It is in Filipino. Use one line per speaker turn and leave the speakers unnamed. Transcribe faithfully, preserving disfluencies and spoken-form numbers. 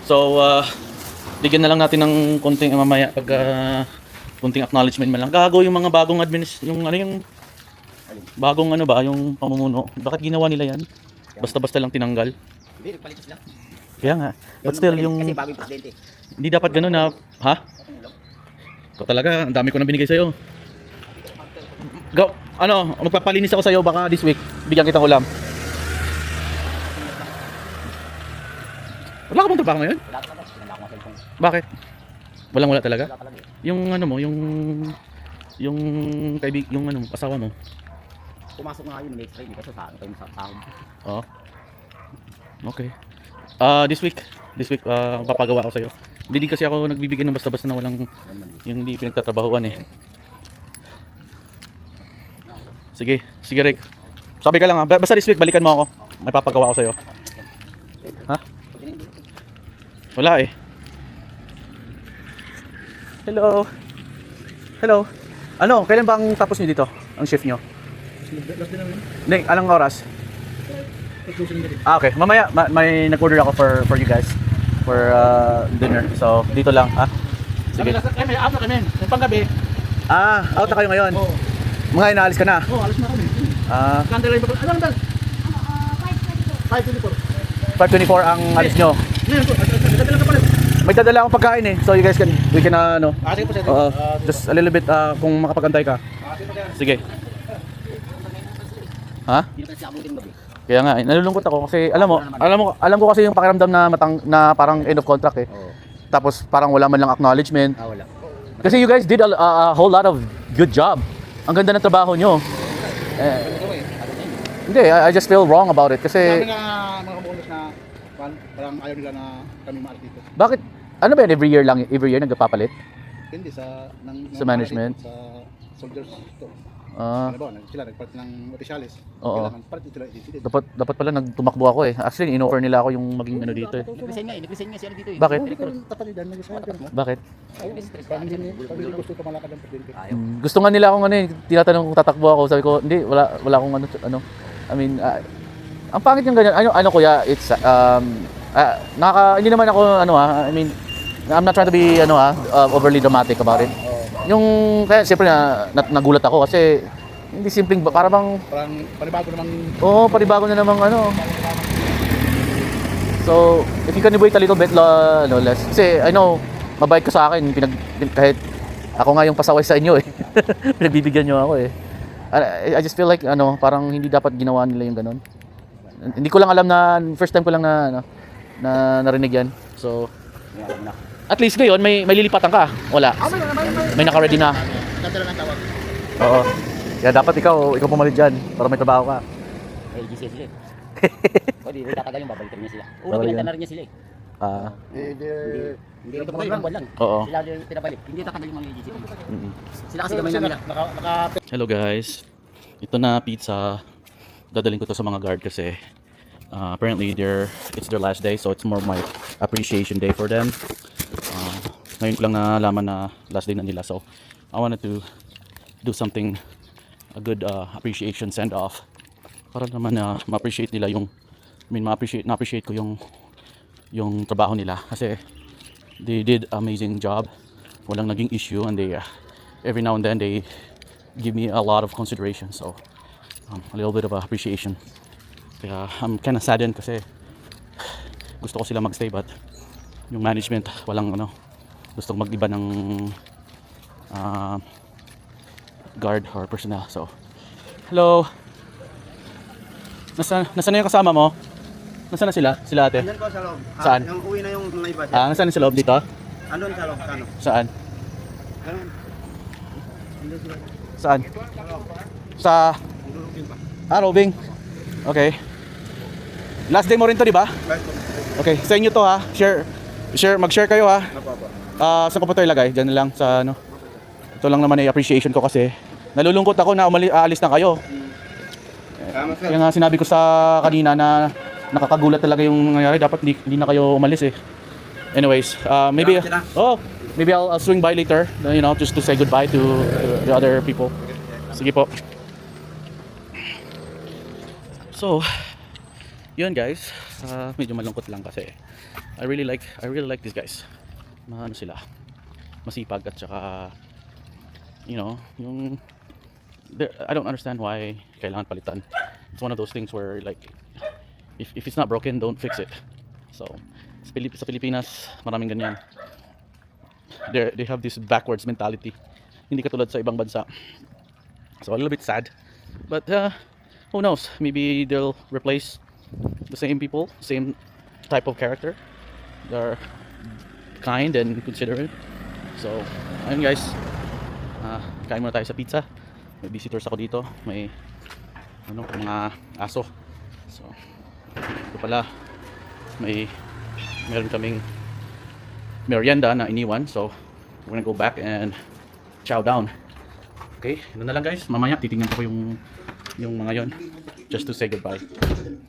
So, uh, bigyan na lang natin ng konting uh, mamaya pag uh, konting acknowledgement man lang. Gago yung mga bagong adminis, yung ano yung bagong ano ba, yung pamumuno. Bakit ginawa nila yan? Basta-basta lang tinanggal.
Hindi, nagpalit sila.
Kaya nga. But still, yung...
Kasi bagong presidente.
Hindi dapat ganun na... Ha? Ito talaga, ang dami ko na binigay sa'yo. Go! Ano, magpapalinis ako sa'yo baka this week. Bigyan kitang ulam. Wala ka bang trabaho ngayon?
Wala talaga. Wala akong cellphone.
Bakit? Walang wala talaga?
Wala talaga.
Yung ano mo, yung... Yung kaibig, yung ano, asawa mo.
Pumasok nga yun, may extra, hindi kasi sa akin kayo sa sahod.
Oo. Okay. Ah, this week, this week ah papagawa ako sa'yo. Hindi din kasi ako nagbibigay ng basta-basta na walang yung hindi pinagtatrabahuan eh. Sige, sige Rick. Sabi ka lang ha, basta this week balikan mo ako. May papagawa ako sa'yo. Ha? Wala eh. Hello. Hello. Ano, kailan ba ang tapos niyo dito? Ang shift niyo?
Last din namin.
Hindi, anong oras?
Closing na rin.
Ah, okay. Mamaya ma- may nag-order ako for for you guys for uh, dinner. So, dito lang, ha? Sige.
Kami, after kami. Yung panggabi.
Ah, out na kayo ngayon.
Oo.
Mga inaalis ka na.
Oo, alas na kami.
Ah,
Kandala yung papel. Ano ang dal? five twenty-four.
five twenty-four ang alis nyo.
Ngayon po, nagdabi lang ka pala.
May dadala akong pagkain eh. So, you guys can, we can, uh, ano.
Ah, sige po, sige.
Oo.
Ah, sige
Just a little bit, uh, kung makapagantay ka.
po. Ah, sige po, sige.
Sige. Ha?
Hindi kasi abutin gabi.
Kaya nga, eh, nalulungkot ako kasi alam mo, alam mo, alam ko kasi yung pakiramdam na matang na parang end of contract eh.
Oo.
Tapos parang wala man lang acknowledgement.
Ah, wala.
Kasi you guys did a, a, a whole lot of good job. Ang ganda ng trabaho nyo. Eh, hindi, I, I just feel wrong about it
Sabi
kasi
nga mga kabulos na parang parang ayaw nila na kami maalis dito.
bakit ano ba yan, every year lang, every year nagpapalit?
Hindi sa ng
Sa management?
Sa soldiers to.
Ah,
Ano ba, nag- sila nagpalit ng opisyalis.
Oo.
Kailangan palit sila i-decision.
dapat dapat pala nagtumakbo ako eh. Actually, in-offer nila ako yung maging ano dito eh.
Nag-resign nga eh. Nag-resign nga siya dito eh.
Bakit?
Hindi ko rin tapalidan, nag-isaya ka mo.
Bakit?
Ayaw, parang hindi parang hindi gusto ko malakad ng presidente.
Ayaw.
Mm, gusto nga nila akong ano eh, tinatanong kung tatakbo ako. Sabi ko, hindi, wala wala akong ano ano. I mean, ah, ang pangit yung ganyan. Ano ano kuya, it's um ah, nakaka hindi naman ako ano ah, I mean, I'm not trying to be ano ah, uh, overly dramatic about it. Yung kaya siyempre na, na nagulat ako kasi hindi simpleng ba- para bang
Parang panibago namang
oo, panibago na namang ano. So, if you can wait a little bit la, no, less. Kasi I know mabait ka sa akin pinag pin- kahit ako nga yung pasaway sa inyo eh. Pinagbibigyan niyo ako eh. I, I just feel like ano, parang hindi dapat ginawa nila yung ganun. Hindi ko lang alam na first time ko lang na ano, na narinig yan. So,
Alam na.
at least ngayon may may lilipatan ka. Wala.
Ah, may may may.
May naka-ready na.
Nadala ng tawag.
Oo. Kaya dapat ikaw, ikaw pumalit dyan para may trabaho ka.
Eh, G C sila eh. O di, tatagal yung babalikan niya sila. Una,
Babalikan.
pinagta na rin niya sila eh.
Ah,
Eh, di,
Hindi, hindi rin tumagal yung buwan lang.
oo.
Sila yung pinabalik. Hindi tatagal yung mga G C.
Mm-mm.
Sila kasi gamay na nila.
naka, naka,
Hello guys. Ito na pizza. Dadaling ko to sa mga guard kasi uh, apparently they're, it's their last day, so it's more my appreciation day for them. Uh, ngayon ko lang nalaman na last day na nila, so I wanted to do something, a good uh, appreciation send off para naman na ma-appreciate nila yung I mean ma-appreciate na-appreciate ko yung yung trabaho nila kasi they did amazing job. Walang naging issue and they uh, every now and then they give me a lot of consideration, so um, a little bit of appreciation. Kaya I'm kind of saddened kasi gusto ko sila magstay but yung management walang ano, gustong mag-iba ng uh, guard or personnel. So hello, nasa nasa na yung kasama mo? Nasaan na sila? Sila ate?
Andun ko sa loob. Ah,
Saan?
Yung uwi na yung mga iba.
Ah, nasaan sa loob dito?
Andun sa loob. Ano?
Saan?
Ganun. Andun sila.
Saan? Sa Ah, roving. Okay. Last day mo rin to, di ba? Okay, sa inyo to ha. Share share mag-share kayo ha. Ah, saan ko pa to ilagay? Diyan na lang sa ano. Ito lang naman ay appreciation ko kasi nalulungkot ako na umali, aalis na kayo.
Tama sir.
Kaya nga sinabi ko sa kanina na nakakagulat talaga yung nangyayari. Dapat hindi, hindi na kayo umalis eh. Anyways, uh, maybe oh, maybe I'll, I'll swing by later, you know, just to say goodbye to, to the other people. Sige po. So, yun guys. Saka medyo malungkot lang kasi I really like I really like these guys. Maano sila, masipag at saka you know, yung there- I don't understand why kailangan palitan. It's one of those things where like if, if it's not broken, don't fix it. So sa, Pilip- sa Pilipinas, maraming ganyan. They they have this backwards mentality. Hindi katulad sa ibang bansa. So a little bit sad. But uh, who knows? Maybe they'll replace the same people, same type of character. They're kind and considerate. So, ayun guys. Ah, kain muna tayo sa pizza. May visitors ako dito. May ano, mga aso. So, ito pala. May meron kaming merienda na iniwan. So, we're gonna go back and chow down. Okay, yun na lang guys. Mamaya titingnan ko yung yung mga yon just to say goodbye.